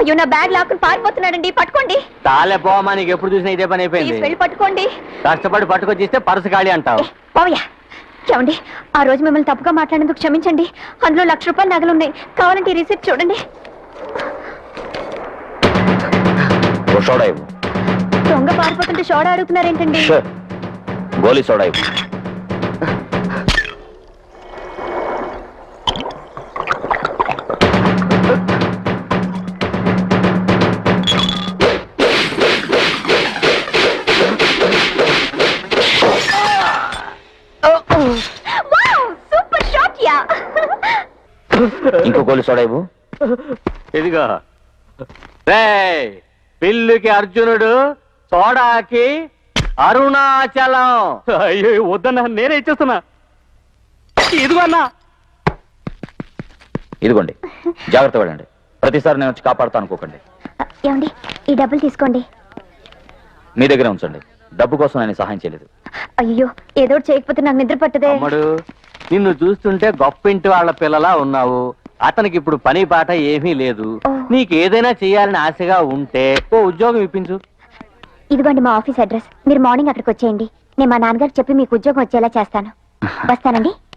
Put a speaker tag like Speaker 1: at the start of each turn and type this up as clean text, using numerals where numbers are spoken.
Speaker 1: అయ్యో నా బ్యాగ్ లాక్కుని పారిపోతున్నాడండి, పట్టుకోండి.
Speaker 2: తాలే పోమా, నీకు ఎప్పుడు చూసినా ఇదే పని
Speaker 1: ప్లీజ్
Speaker 2: అయిపోయింది.
Speaker 1: వెళ్ళి పట్టుకోండి.
Speaker 2: కష్టపడి పట్టుకొచ్చిస్తే పరుసు ఖాళీ అంటావు.
Speaker 1: పోవయ్యా. ఏమండి, ఆ రోజు మిమ్మల్ని తప్పుగా మాట్లాడినందుకు క్షమించండి. అందులో ₹1,00,000 నగలున్నాయి, కావాలంటే ఈ రిసిప్ట్ చూడండి.
Speaker 3: సోడా ఇవ్వు.
Speaker 1: దొంగ పారిపోతుంటే సోడా అడుగుతున్నారేంటండి?
Speaker 3: గోలీ సోడా ఇవ్వు.
Speaker 1: Super shot yeah.
Speaker 3: ఇంకో గోలీ సోడా ఇవ్వు.
Speaker 2: ఇదిగో. రేయ్, పిల్లుకి అర్జునుడు, సోడాకి అరుణాచలం. అయ్యో వద్దన్నా, నేనే ఇచ్చేస్తున్నా. ఇదిగో అన్నా.
Speaker 3: ఇదిగోండి, జాగ్రత్త పడండి. ప్రతిసారి నేను వచ్చి కాపాడుతా అనుకోకండి.
Speaker 1: ఏమండి, ఈ డబ్బులు తీసుకోండి.
Speaker 3: మీ దగ్గరే ఉంచండి. డబ్బు కోసం నేను సహాయం చేయలేదు.
Speaker 1: అయ్యో, ఏదో చేయకపోతే నాకు నిద్ర పట్టదే.
Speaker 2: అమ్మడు, నిన్ను చూస్తుంటే గొప్ప ఇంటి వాళ్ళ పిల్లలా ఉన్నావు. అతనికి ఇప్పుడు పని పాట ఏమీ లేదు. నీకు ఏదైనా చేయాలని ఆశగా ఉంటే ఓ ఉద్యోగం ఇప్పించు.
Speaker 1: ఇదిగోండి మా ఆఫీస్ అడ్రస్. మీరు మార్నింగ్ అక్కడికి వచ్చేయండి. నేను మా నాన్నగారికి చెప్పి మీకు ఉద్యోగం వచ్చేలా చేస్తాను. వస్తానండి.